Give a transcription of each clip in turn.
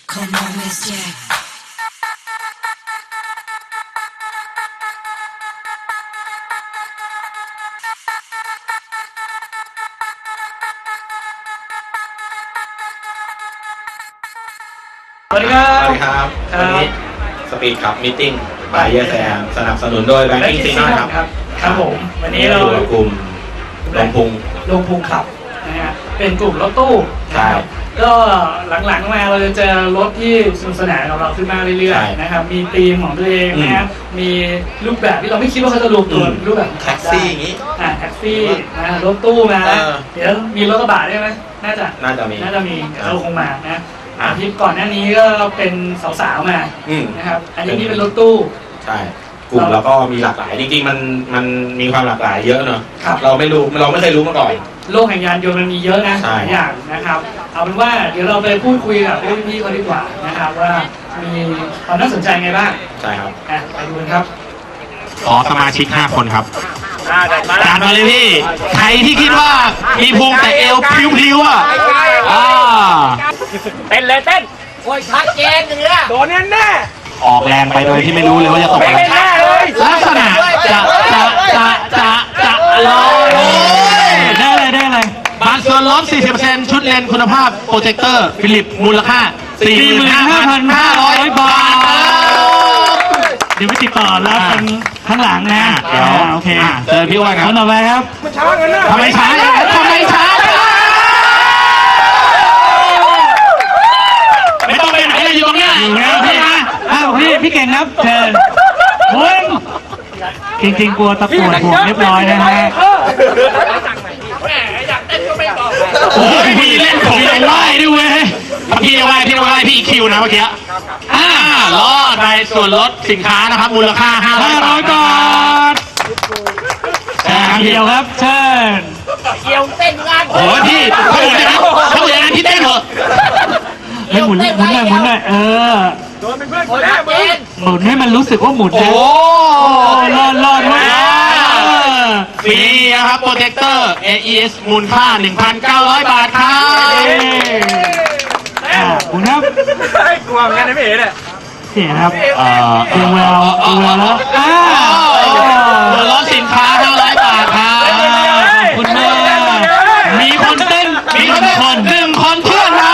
Come on, Miss Jack. สวัสดีครับสวัสดีครับวันนี้สปีดขับมีติ้งบายเยอร์แซมสนับสนุนโดยแบงกิ้งซีนอนครับครับผมวันนี้เราอยู่กับกลุ่มลงพุงขับนะฮะเป็นกลุ่มรถตู้ใช่ก็หลังๆมาเราจะเจอรถที่สนุกสนานของเราขึ้นมาเรื่อยๆนะครับมีธีมของตัวเองนะครับมีรูปแบบที่เราไม่คิดว่าเขาจะรวมตัวรูปแบบแท็กซี่อย่างนี้แท็กซี่นะรถตู้มาเดี๋ยวมีรถกระบะได้ไหมน่าจะมีเราคงมานะที่ก่อนหน้านี้ก็เป็นสาวๆมานะครับอันนี้เป็นรถตู้ใช่กลุ่มแล้วก็มีหลากหลายจริงๆมันมีความหลากหลายเยอะเนอะเราไม่เคยรู้มาก่อนโลกแห่งยานยนต์มันมีเยอะนะหลายอย่างนะครับเอาเป็นว่าเดี๋ยวเราไปพูดคุยกับพี่เขาดีกว่านะครับว่ามีความน่าสนใจไงบ้างใช่ครับไปดูกันครับขอสมาชิก5คนครับตามมาเลยพี่ใครที่คิดว่ามีพุงแต่เอวพลิ้วๆเต้นเลยเต้นโอ้ยชัดเจนอย่างเงี้ยโดนแน่ออกแรงไปโดยที่ไม่รู้เลยว่าจะตกอะไรลักษณะจะลอยได้เลยบางส่วนลด 40% ชุดเลนส์คุณภาพโปรเจคเตอร์ฟิลิปมูลค่า 45,500 บาทเดี๋ยวไปติดต่อรับกันข้างหลังนะโอเคเจอพี่อ้วนครับต่อไปครับมันช้ากันนะทำไมช้าไม่ต้องไปไหนเลยอยู่ตรงนี้อยู่แล้วพี่เก่งครับเชิญโอ้ยจริงๆกลัวตะปูดห่วงเรียบร้อยนะฮะโอ้ยพี่เล่นผมยังไหวด้วยเว้ยพี่ไหวพี่คิวนะเมื่อกี้รอดในส่วนลดสินค้านะครับมูลค่า500 บาทเกี่ยวครับเชิญเกี่ยวเต้นงานโอ้พี่เขาอย่างนั้นพี่เต้นเหรอไม่หมุนหน่อยโดนเป็นเพื่อนคนแรกหมุนให้มันรู้สึกว่าหมุนนะรอดไว้ฟรีครับโปรเจคเตอร์ AES มูลค่า 1,900 บาทครับหมุนครับกลัวเหมือนกันนะพี่เอ๋เนี่ยเสียครับดูแววแล้วส่วนลดสินค้า500 บาทครับคุณแม่มีคนเต้น1 คนเพื่อนครับ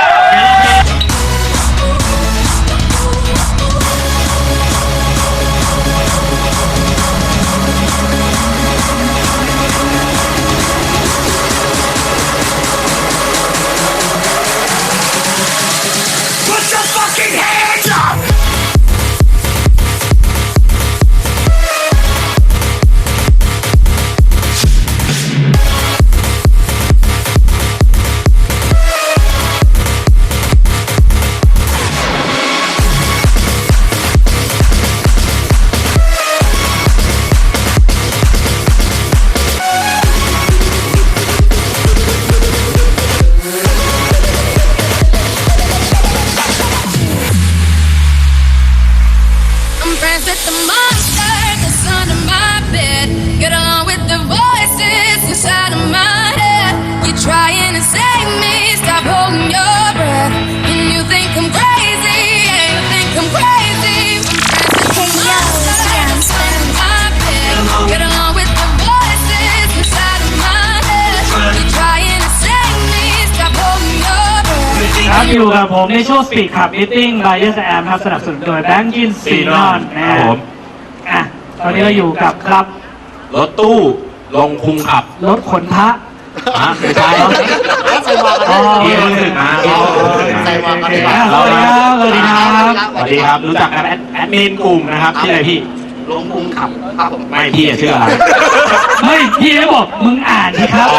With the monster that's under my bed, get along with the voices inside of my head. You're trying to save me, stop holding your breath. And you think I'm crazy, yeah, you think I'm crazy. I'm friends with the monster that's under my bed, get along with the voices inside of my head. You're trying to save me, stop holding your breath. ครับอยู่กับผมในช่วง Speed Club Meeting by Yes I Am ครับสนับสนุนโดย Banking Sinon นะครับผมตอนนี้เราอยู่กับครับรถตู้ลงพุงขับรถขนพระไม่ใช่พี่รู้สึกนะสวัสดีครับรู้จักกับแอดมินกลุ่มนะครับชื่ออะไรพี่ลงพุงขับครับผมไม่พี่ชื่ออะไรไม่พี่ไม่บอกมึงอ่านสิครับ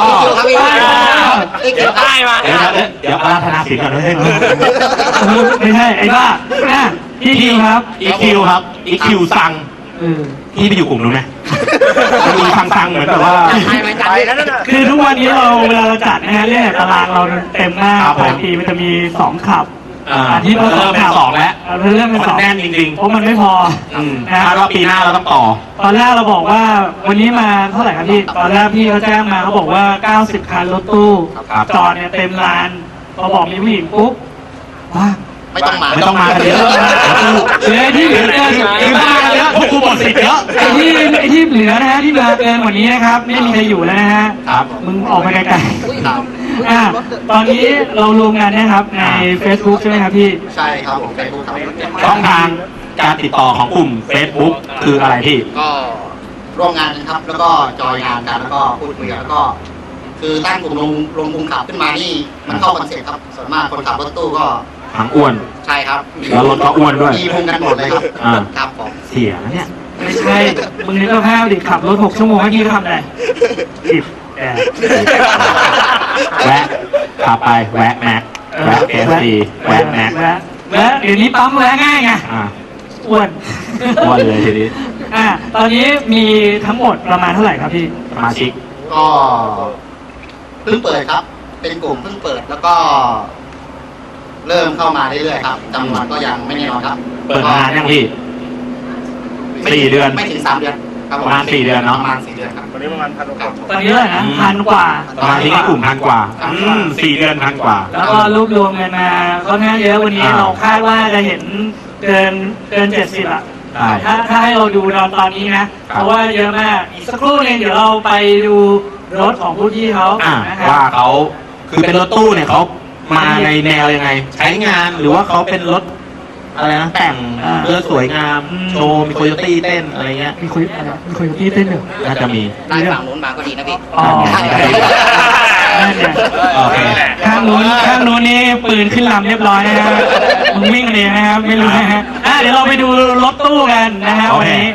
เดี๋ยวได้มาเดี๋ยวอาราธนาศิลป์ก่อนไม่ใช่ไอ้บ้าพี่คิวครับ EQ ครับ EQ สั่งพี่ไปอยู่กลุ่มนู้นไหมมีฟังเหมือนแบบว่าคือทุกวันนี้เวลาเราจัดนะฮะเรื่องตารางเราเต็มมากบางทีมันจะมี2ขับที่เราเริ่มเป็น2แล้วเรื่องเป็น2 แน่นจริงๆเพราะมันไม่พอคาดว่าปีหน้าเราต้องต่อตอนแรกเราบอกว่าวันนี้มาเท่าไหร่ครับพี่ตอนแรกพี่เขาแจ้งมาเขาบอกว่า90 คันรถตู้จอดเนี่ยเต็มลานพอบอกมีผู้หญิงปุ๊บว่าไม่ต้องมาไม่ต้องมากันเยอะเหลือที่เหลือเกินคือมากันเยอะพวกกูหมดสิทธิ์เยอะไอ้ที่เหลือนะฮะที่เหลือเกินกว่านี้นะครับ ไม่มีใครอยู่แล้วนะฮะครับมึงออกไปไกลครับๆตอนนี้เรารวมกันนะครับใน Facebook ใช่ไหมครับพี่ใช่ครับผมเป็นผู้ขับรถเก่งช่องทางการติดต่อของกลุ่ม Facebook คืออะไรพี่ก็ร่วมงานกันครับ แล้วก็จอยงานกันแล้วก็พูดคุยกันแล้วก็ คือตั้งกลุ่มลงกลุ่มขับขึ้นมานี่มันเข้าคอนเซ็ปต์ครับส่วนมากคนขับรถตู้ก็หางอ้วนใช่ครับแล้วรถก็อ้วนด้วยมีพุงกันหมดเลยครับอ่าครับผมเสียนะเนี่ยไม่ใช่ มึงนึกภาพดิขับรถ6 ชั่วโมงเมื่อกี้ทำอะไรจิบแอบแวะขับไปแวะแม็กแวะเอสซีแวะแม็กแวะเดี๋ยวนี้ปั๊มแวะง่ายไงอ่าอ้วนอ้วนเลยทีนี้ตอนนี้มีทั้งหมดประมาณเท่าไหร่ครับพี่สมาชิกก็เพิ่งเปิดครับ เป็นกลุ่มเพิ่งเปิดแล้วก็ เริ่มเข้ามาเรื่อยๆครับจำนวนก็ยังไม่แน่นอนครับเปิดมานานยังพี่ 4 เดือนไม่ถึง3 เดือนครับผประมาณ4 เดือนเนอะประมาณ4 เดือนครับตอนนี้เท่าไหร่นะ1,000 กว่าสมาชิกในกลุ่ม1,000 กว่า 4 เดือน1,000 กว่าแล้วก็รวบรวมกันมาค่อนข้างเยอะวันนี้อ่าเราคาดว่าจะเห็นเกิน 70 อ่ะใช่ถ้าให้เราดูตอนนี้นะ เพราะว่าเยอะมาก อีกสักครู่นึงเดี๋ยวเราไปดูรถของผู้ที่เขา นะครับว่าเขาคือเป็นรถตู้เนี่ยเขามาในแนวยังไง ใช้งานหรือว่าเขาเป็นรถอะไรนะแต่งเพื่อสวยงามโชว์มีโคโยตี้เต้นอะไรเงี้ยมีคุยที่เต้นหนึ่งน่าจะมีได้ฝั่งนู้นมาก็ดีนะพี่อ๋อนั่นเนี่ยโอเคข้างนู้นนี่ปืนขึ้นลำเรียบร้อยนะฮะมึงวิ่งกันเองนะครับไม่รู้นะฮะเดี๋ยวเราไปดูรถตู้กันนะฮะโอวันเคนี้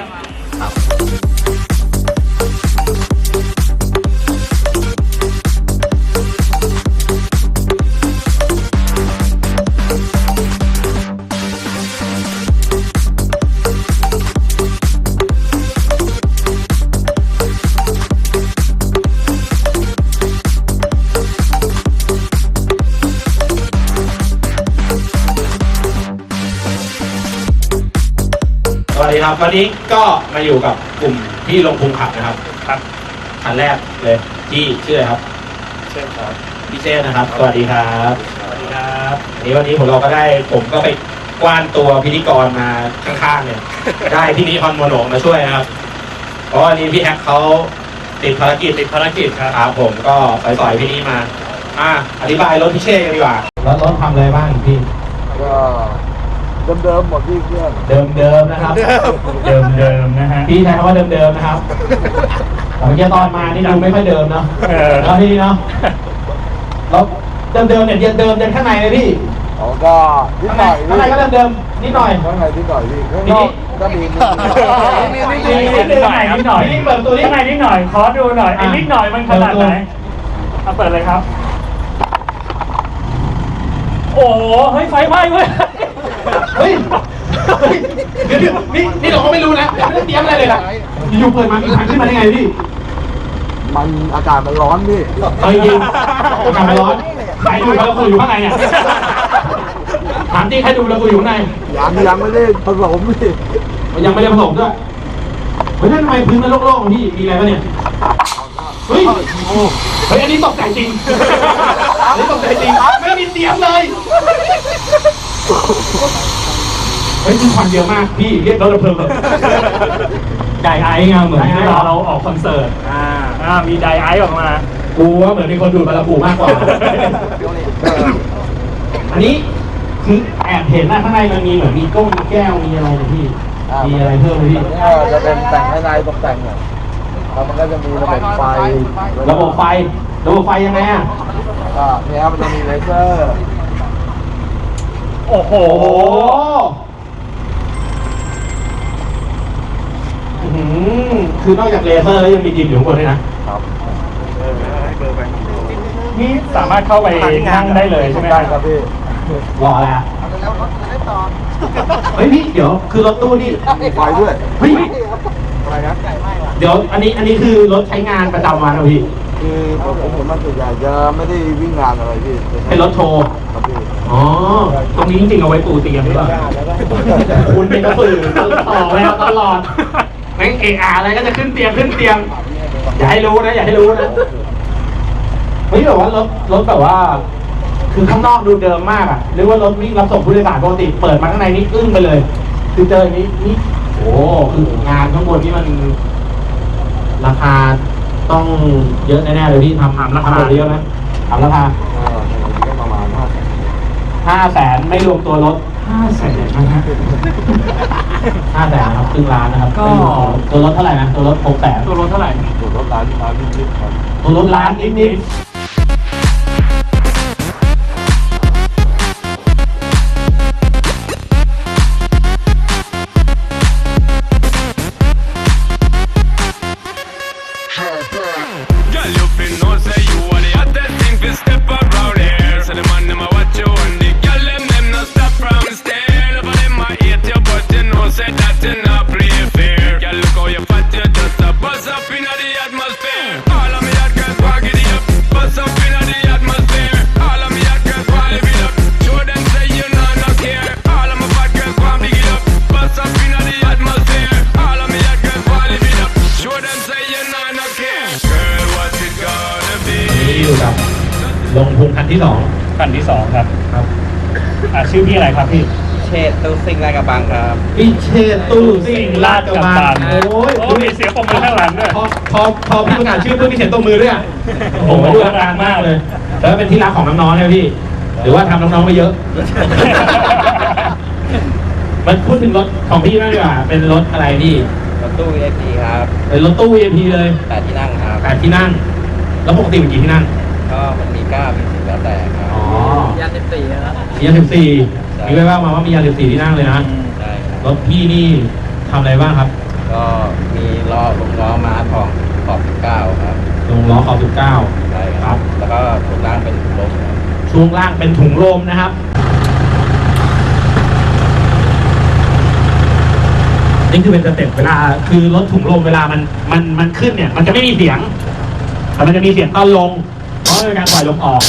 สวัสดีครับวันนี้ก็มาอยู่กับกลุ่มที่ลงพุงขับนะครับครับคันแรกเลยที่ชื่ออะไรครับเชษครับพี่เชษนะครับสวัสดีครับสวัสดีครับวันนี้เราก็ได้ผมก็ไปกว้านตัวพิธีกรมาข้างๆเนี่ย ได้พี่นิพนธ์โมโนมาช่วยนะครับ เพราะวันนี้พี่แฮกเขาติดภารกิจครับผมก็สอยๆพี่นี้มาอธิบายรถพี่เชษกันดีกว่าแล้วรถทำอะไรบ้างพี่ก็เดิมๆหมดที่เครื่องเดิมๆนะครับเดิมนะฮะพี่ใช้คำว่าเดิมๆนะครับแต่เมื่อกี้ตอนมานี่ดูไม่ค่อยเดิมเนาะแล้วพี่เนาะแล้วเดิมๆเนี่ยเดิมยันข้างในเลยพี่อ๋อก็นิดหน่อยข้างในก็เดิมๆนิดหน่อยข้างในนิดหน่อยพี่ข้างนอกก็มีนิดหน่อยนี่เปิดตัวนี้ข้างในนิดหน่อยขอดูหน่อยไอ้นิดหน่อยมันขนาดไหนเอาเปิดเลยครับ โอ้โหเฮ้ยไฟไหม้เว้ยเฮ้ยเดี๋ยวนี่เราก็ไม่รู้นะไม่ได้เตรียมอะไรเลยล่ะอยู่เปิดมามีถังขึ้นมาได้ไงพี่มันอากาศมันร้อนพี่เอาจริงๆทำร้อนใครดูแล้วคุยอยู่ข้างในเนี่ยถามจริงใครดูแล้วคุยอยู่ข้างในยังไม่ได้ผสมพี่มันยังไม่ได้ผสมด้วยเฮ้ยทำไมพื้นมันโล่งๆพี่มีอะไรปะเนี่ยเฮ้ยอันนี้ตกใจจริงอันนี้ตกใจจริงไม่มีเตรียมเลยเฮ้ยคือควันเยอะมากพี่เรียกรถดับเพลิงไดไอซ์ไงเหมือนเวลาเราออกคอนเสิร์ตมีไดไอซ์ออกมากูว่าเหมือนมีคนดูดบาราบูมากกว่า อันนี้คือแอบเห็นนะข้างในมันมีเหมือนมีก้งมีแก้วมีอะไรนะพี่ มีอะไรเพิ่มไหมพี่จะเป็นแต่งภายในตกแต่งเนี่ยแล้วมันก็จะมีระบบไฟระบบไฟยังไงอ่ะก็เนี่ยมันจะมีเลเซอร์โอ้โหคือนอกจากเลเซอร์แล้วยังมีดินอยู่ข้างบนด้วยนะครับนี่สามารถเข้าไปนั่งได้เลยใช่ไหมได้ครับพี่รอแล้วเฮ้ยพี่เดี๋ยวคือรถตู้นี่มีไฟด้วยเฮ้ยอะไรนะเดี๋ยวอันนี้คือรถใช้งานประจำวันนะพี่คือผมมันส่วนใหญ่จะไม่ได้วิ่งงานอะไรพี่เป็นรถโชว์ครับพี่อ๋อ ตรงนี้จริงๆเอาไว้ปูเตียงหรือเปล่าคุณเป็นกระสือต่อแล้วตลอดแม่งเออาอะไรก็จะขึ้นเตียงอย่าให้รู้นะ เฮ้ยแบบว่ารถแบบว่าคือข้างนอกดูเดิมมากอ่ะนึกว่ารถวิ่งรับส่งผู้โดยสารปกติเปิดมาข้างในนี่อึ้งไปเลย คือเจออย่างนี้นี่โอ้คืองานข้างบนนี่มันราคาต้องเยอะแน่ๆเลยพี่ทำราคาเยอะไหมทำราคาก็ประมาณ 500,000ไม่รวมตัวรถ500,000นะฮะ500,000ครับครึ่งล้านนะครับก็ตัวรถเท่าไหร่นะตัวรถ600,000ตัวรถเท่าไหร่ตัวรถร้านนิดๆครับตัวรถล้านนิดๆ Girl, you fin know say you are the hottest thing fi step around here. So the man them a watch you and the girl them no stop from stare. Over them a hate you, but you know say that you not play fair. Girl, look how you fat, you just a buzz up inna the atmosphere. All of me hot girls want get it up, buzz up inna the atmosphere. All of me hot girls want live it up, show them say you no care. All of my fat girls want big it up, buzz up inna the atmosphere. All of me hot girls want live it up, show them say you no care. Girl, what's it gonna be? นี่อยู่กับลงพุงคันที่สองคันที่ 2 ครับครับชื่อพี่อะไรครับพี่เชษตู้ซิ่งลาดกระบังครับพี่เชษตู้ซิ่งลาดกระบังโอ้ยโอ้มีเสียงปรบมือข้างหลังด้วยพอพี่ประกาศชื่อเพื่อนพี่เขียนตัวมือด้วยอ่ะผมมาดูอาการมากเลย แล้วเป็นที่รักของน้องๆเนี่ยพี่ หรือว่าทำน้องๆไปเยอะ มันพูดถึงรถของพี่บ้างดีกว่าเป็นรถอะไรพี่รถตู้ VIP ครับเป็นรถตู้ VIP เลย 8 ที่นั่งครับ 8 ที่นั่ง แล้วปกติเป็นกี่ที่นั่งก็มันมี9มี10แล้วแต่ครับอ๋อยัน14นะครับมียา14มีไว้ว่ามาว่ามียา14ที่นั่งเลยนะใช่ครับรถพี่นี่ทำอะไรบ้างครับก็มีล้อลงล้อม้าทองขอบ19ครับลงล้อขอบ19 ใช่ครับ แล้วก็ถุงล่างเป็นถุงลมครับช่วงล่างเป็นถุงลมนะครับ นี่คือเป็นสเต็ปเวลาคือรถถุงลมเวลามันขึ้นเนี่ย มันจะไม่มีเสียง แต่มันจะมีเสียงตอนลง เพราะเป็นการปล่อยลมออก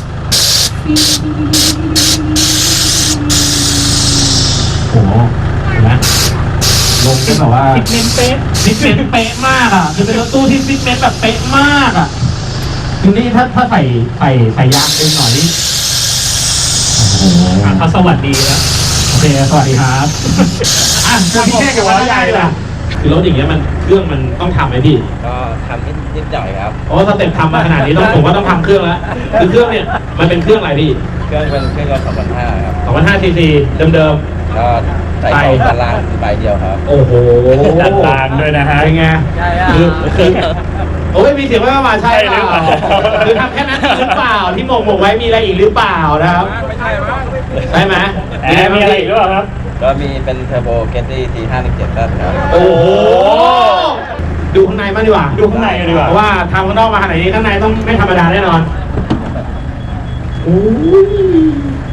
โอ้โหเห็นไหมลงเป็นแบบว่าฟิตเมนต์เป๊ะฟิตเมนต์เป๊ะมากอ่ะคือเป็นรถตู้ที่ฟิตเมนต์แบบเป๊ะมากอ่ะคือนี่ถ้าใส่ยางเต็มหน่อยนี่โอ้โหเขาสวัสดีแล้วโอเคสวัสดีครับอ่ะพี่แค่กับว่าใหญ่ล่ะคือรถอย่างเงี้ยมันเครื่องมันต้องทำไหมพี่ก็ทำนิดหน่อยครับโอ้สเต็ปทำมาขนาดนี้ผมว่าต้องทำเครื่องแล้วคือเครื่องเนี่ยมันเป็นเครื่องอะไรพี่เครื่องเป็นเครื่องยนต์2,500ครับ 2,500 cc เดิมก็ใส่ของด้านล่างใบเดียวครับๆโอ้โหดัดลางด้วยนะฮะเป็นไงใช่คือโอ้ยมีเสียงว่ามาใช่เปล่าใช่หรือเปล่าคือทำแค่นั้นหรือเปล่าที่หมกไว้มีอะไรอีกหรือเปล่านะครับไม่ใช่ว่าใช่ไหมมีอะไรอีกหรือเปล่าครับก็มีเป็นเทอร์โบเกตตี้T517ครับโอ้โหดูข้างในมางดีกว่าดูข้างในกันดีกว่าเพราะว่าทำข้างนอกมาขนาดนี้ข้างในต้องไม่ธรรมดาแน่นอนโอ้ย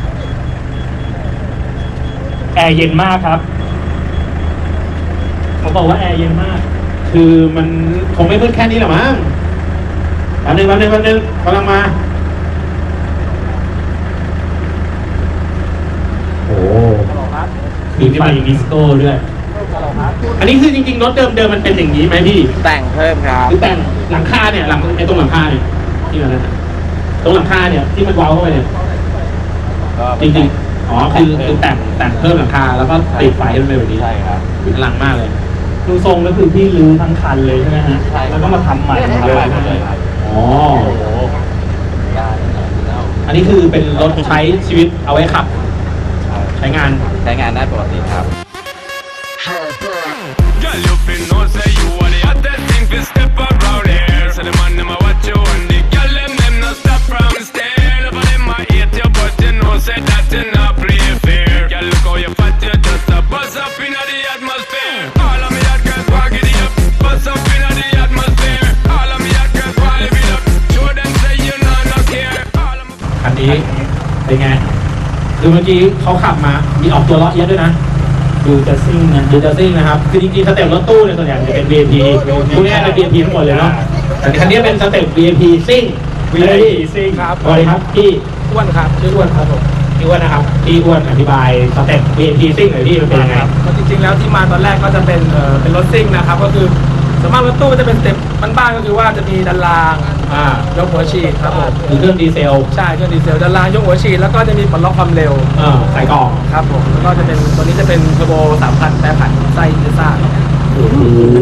แอร์เย็นมากครับเขาบอกว่าแอร์เย็นมากคือมันคงไม่มืดแค่นี้หรอกมั้งแป๊บนึงกำลังมาโอ้มีไฟดิสโก้ด้วย อันนี้คือจริงๆรถเดิมมันเป็นอย่างนี้ไหมพี่แต่งเพิ่มครับหรือแต่งหลังคาเนี่ยตรงหลังคาเนี่ยที่มันนะตรงหลังคาเนี่ยที่มันเว้าเข้าไปเนี่ยก็จริงๆอ๋อคือแต่งเพิ่มหลังคาแล้วก็ติดไฟให้มันเป็นแบบนี้ใช่ครับพลังมากเลยดูทรงก็คือพี่รื้อทั้งคันเลยใช่ไหมฮะใช่แล้วก็มาทำใหม่หมดทำเลยใหม่หมดเลยครับอ๋อยาเนี่ยแล้วอันนี้คือเป็นรถใช้ชีวิตเอาไว้ขับ ใช้งานใช้งานได้ปกติครับ Girl, you fin know say you are the hottest thing fi step around here. So the man them a watch you and the girl them no stop from stare. Over them a hate you, but you know say that you not play fair. Girl, look how you fat, you just a buzz up inna the atmosphere. All of me hot girls want get it up, buzz up inna the atmosphere. All of me hot girls want live it up, show them say you no care. All of my คันนี้เป็นไง คือเมื่อกี้เขาขับมา มีออกตัวเลาะเยอะด้วยนะดูจะซิ่งนะดูจะซิ่งนะครับ คือจริงๆสเต็ปรถตู้เนี่ยส่วนใหญ่จะเป็น VIP พวกนี้เป็น VIP ทั้งหมดเลยเนาะ แต่คันนี้เป็นสเต็ป VIP ซิ่ง VIP ซิ่งครับสวัสดีครับพี่อ้วนครับชื่ออ้วนครับผมพี่อ้วนนะครับพี่อ้วนอธิบายสเต็ป VIP ซิ่งหน่อยพี่มันเป็นยังไงก็จริงๆแล้วที่มาตอนแรกก็จะเป็นรถซิ่งนะครับก็คือส่วนมากรถตู้จะเป็นสเต็ปบ้านๆก็คือว่าจะมีดันรางยกหัวฉีดครับผมหรือเครื่องดีเซลใช่เครื่องดีเซลดันรางยกหัวฉีดแล้วก็จะมีปลดล็อกความเร็วใส่กล่องครับผมแล้วก็จะเป็นตัวนี้จะเป็นเทอร์โบ 3,000 แปรผันไส้เทซ่าครับโอ้โห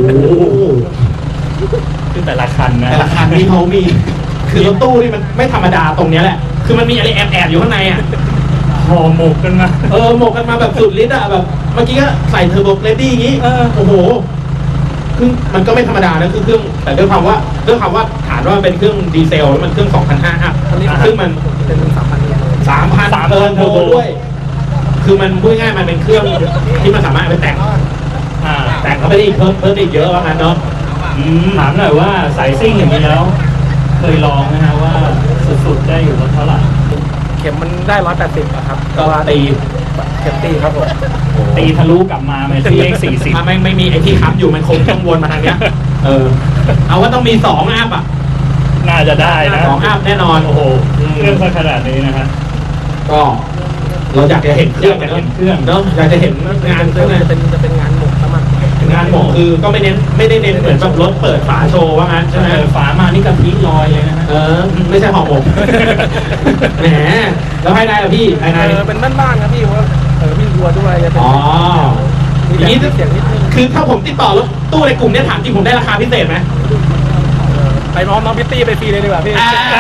คือแต่ละคันนะแต่ละคันที่เขามี คือรถตู้นี่มันไม่ธรรมดาตรงเนี้ยแหละ คือมันมีอะไรแอบๆอยู่ข้างในอ่ะห่อหมกกันมาหมกกันมาแบบสุดฤทธิ์อ่ะแบบเมื่อกี้ก็ใส่เทอร์โบเรดดี้อย่างงี้โอ้โหคือมันก็ไม่ธรรมดานะคือเครื่องแต่ด้วยความว่าฐานว่ามันเป็นเครื่องดีเซลแล้วมันเครื่อง 2,500 อัพซึ่งมันเป็น 3,000 3,000 เติร์นโทด้วย คือมันพูดง่ายๆมันเป็นเครื่องที่มันสามารถเอาไปแต่งเข้าไปได้อีกเพิ่มได้อีกเยอะว่างั้นเนาะถามหน่อยว่าสายซิ่งอย่างนี้แล้ว เคยลองนะฮะว่าสุดๆได้อยู่รถเท่าไหร่เข็มมันได้ 180อะครับก็ตีเข็มตีครับผมตีทะลุกลับมาเป็นเลข40 ถ้าไม่มีไอ้ที่ค้ำอยู่มันคงต้องวนมาทางเนี้ยเอาว่าต้องมี2 อัพอ่ะน่าจะได้นะ 2 อัพแน่นอนโอ้โหเครื่องขนาดนี้นะฮะก็เราอยากจะเห็นเครื่องกันอยากจะเห็นเครื่องเนาะอยากจะเห็นงานเครื่องจะเป็นงานหมกสมัครงานหมกคือก็ไม่ได้เน้นเหมือนแบบรถเปิดฝาโชว์ว่างั้นใช่ไหมฝามานี่กะทิลอยเลยนะฮะไม่ใช่ห่อหมก แหมแล้วภายในล่ะพี่ภายในเป็นบ้านๆครับพี่เพราะวิ่งทัวร์ด้วยจะเป็นอ๋อมีอย่างนี้เสียงนิดนึงคือถ้าผมติดต่อรถตู้ในกลุ่มเนี้ยถามจริงผมได้ราคาพิเศษไหมไปน้องพิตตี้ไปฟรีเลยดีกว่าพี่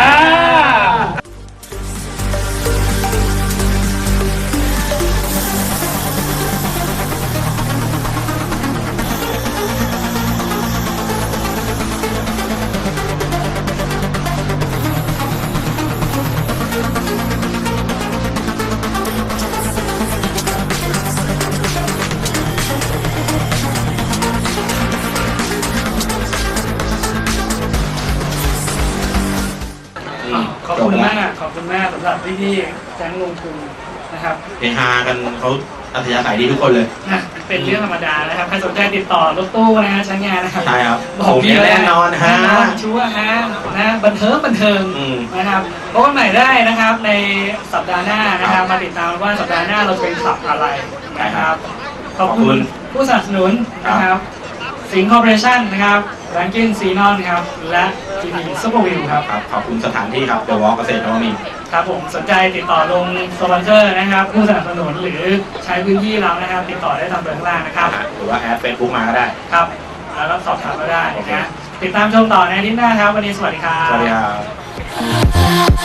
ขอบคุณมากสำหรับพี่ๆแจ้งลงทุนนะครับเฮฮากันเขาอัธยาศัยดีทุกคนเลยเป็นเรื่องธรรมดานะครับใครสนใจติดต่อรถตู้นะฮะใช้งานนะครับใช่ครับบอกพี่แน่นอนฮะแน่นอนชัวร์นะบันเทิงนะครับพบกันใหม่ได้นะครับในสัปดาห์หน้านะครับมาติดตามว่าสัปดาห์หน้าเราจะเป็นขับอะไรนะครับขอบคุณผู้สนับสนุนนะครับสิงห์คอร์ปอเรชั่นนะครับแรงกิ้งซีนอนครับและทีวีซุปเปอร์วิวครับขอบคุณสถานที่ครับเดอะวอล์กเกษตรนวมินทร์ครับผมสนใจติดต่อลงสปอนเซอร์นะครับผู้สนับสนุนหรือใช้พื้นที่เรานะครับติดต่อได้ตามเบอร์ข้างล่างนะครับหรือว่าแอดเฟซบุ๊กมาก็ได้ครับแล้วก็สอบถามก็ได้นะติดตามชมต่อในอาทิตย์หน้าครับวันนี้สวัสดีครับสวัสดีครับ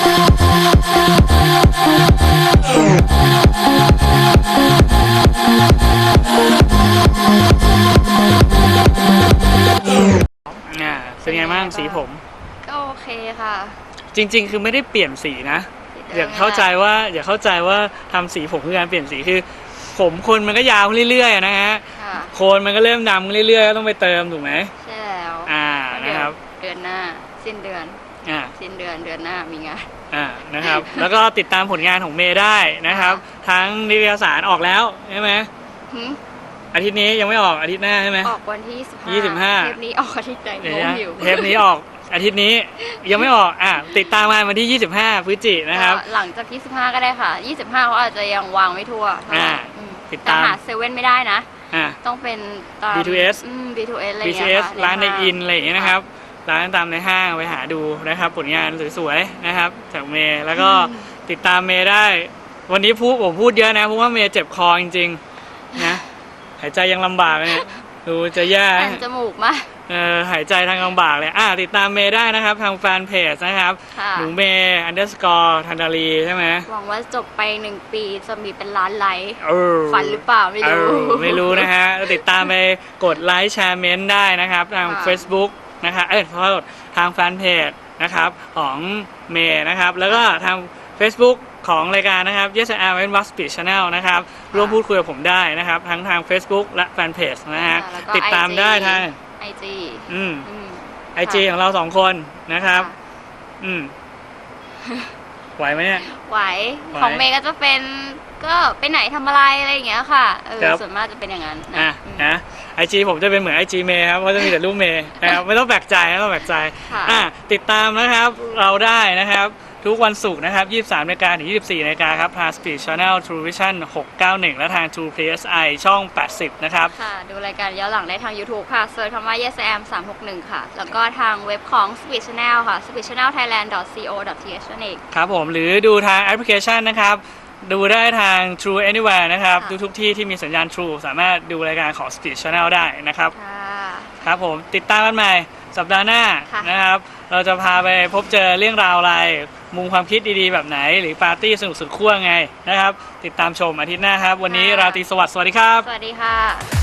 เป็นไงบ้างสีผมก็โอเคค่ะจริง ๆ คือไม่ได้เปลี่ยนสีนะ อย่าเข้าใจว่าทำสีผมคือการเปลี่ยนสีคือ ผมคนมันก็ยาวเรื่อยๆนะฮะค่ะโคนมันก็เริ่มดำเรื่อยๆก็ต้องไปเติมถูกไหมใช่แล้วนะครับเดือนหน้า สิ้นเดือนอ่าสิ้นเดือนเดือนหน้ามีงานนะครับ แล้วก็ติดตามผลงานของเมย์ได้นะครับ ทั้งนิตยสารออกแล้วใช่ไหมหึอาทิตย์นี้ยังไม่ออกอาทิตย์หน้าใช่ไหมออกวันที่ 25 เทปนี้ออกอาทิตย์ไหนเดี๋ยวงงนะอยู่เทปนี้ออกอาทิตย์นี้ยังไม่ออกติดตามมาวันที่ 25 พฤศจิกายนนะครับหลังจาก25ก็ได้ค่ะ 25เขาอาจจะยังวางไม่ทั่วเท่าไหร่อืมติดแต่ตามหาเซเว่นไม่ได้นะอ่าต้องเป็นตาม B2S B2S อะไรอย่างเงี้ย BTS ค่ะร้านในห้งอินอะไรอย่างเงี้ยนะครับร้านตามในห้างไปหาดูนะครับ ผลงานสวยๆนะครับจากเมย์แล้วก็ติดตามเมย์ได้ วันนี้ผมพูดเยอะนะเพราะว่าเมย์เจ็บคอจริงๆนะหายใจยังลำบากเลยเนี่ยดูจะแย่แผ่นจมูกมาหายใจทางลำบากเลยติดตามเมย์ได้นะครับทางแฟนเพจนะครับค่ะหนูเมย์ _ ธันดารีใช่ไหมหวังว่าจบไป1 ปีจะมีเป็นล้านไลค์เออฝันหรือเปล่าไม่รู้ไม่รู้นะฮะติดตามไปกดไลค์แชร์เมนต์ได้นะครับทางค่ะ Facebook นะคะขอโทษทางแฟนเพจนะครับของเมย์นะครับแล้วก็ทาง Facebook ของรายการนะครับ Yes I Am and Wax Speed Channel นะครับร่วมพูดคุยกับผมได้นะครับทั้งทาง Facebook และแฟนเพจนะฮะแล้วก็ติดตาม IG ได้ทาง IG IG ของเรา2คนนะครับไหวไหมเนี่ยไหวของเมย์ก็จะเป็นก็ไปไหนทำอะไรอะไรอย่างเงี้ยค่ะครับส่วนมากจะเป็นอย่างนั้นนะIG ผมจะเป็นเหมือน IG เมย์ครับเพราะจะมีแต่รูปเมย์นะครับไม่ต้องแปลกใจไม่ต้องแปลกใจค่ะติดตามนะครับเราได้นะครับทุกวันศุกร์นะครับ 23 นาฬิกาถึง 24 นาฬิกาครับทาง Speed Channel True Vision 691 และทาง True PSI ช่อง 80 นะครับค่ะ ดูรายการย้อนหลังได้ทาง YouTube ค่ะเซิร์ชคำว่า YesAm 361 ค่ะ แล้วก็ทางเว็บของ Speed Channel ค่ะ speedchannelthailand.co.th นั่นเองครับผมหรือดูทางแอปพลิเคชันนะครับ ดูได้ทาง True Anywhere นะครับค่ะดูทุกที่ที่มีสัญญาณ True สามารถดูรายการของ Speed Channel ได้นะครับค่ะครับผมติดตามกันใหม่สัปดาห์หน้าค่ะนะครับ เราจะพาไปพบเจอเรื่องราวอะไร มุมความคิดดีๆแบบไหน หรือปาร์ตี้สนุกสุดขั้วไงนะครับ ติดตามชมอาทิตย์หน้าครับ วันนี้ราตรีสวัสดิ์สวัสดีครับสวัสดีค่ะ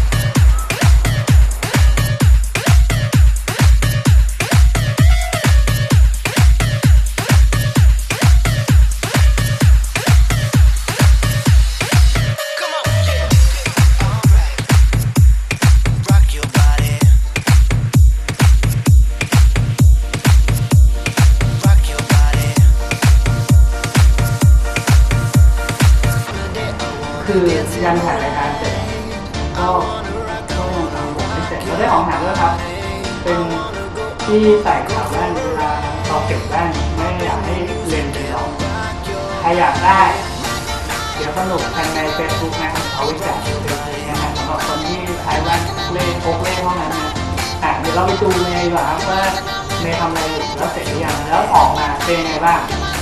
คือยันถ่ายรายการเสร็จก็ยังทำผมไม่เสร็จเราได้ของแถมด้วยครับ เป็นที่ใส่ขาแว่นเวลาเราเก็บแว่นไม่อยากให้เลนส์เป็นรองใครอยากได้ เดี๋ยวสนุกภายใน Facebook นะครับเอาไว้แจกฟรีๆนะครับสำหรับคนที่ใช้แว่นเลนส์พกเลนส์เท่านั้นนะเดี๋ยวเราไปดูในดีกว่าครับว่าเมย์ทำอะไรอยู่แล้วเสร็จหรือยังแล้วออกมาเป็นยังไงบ้าง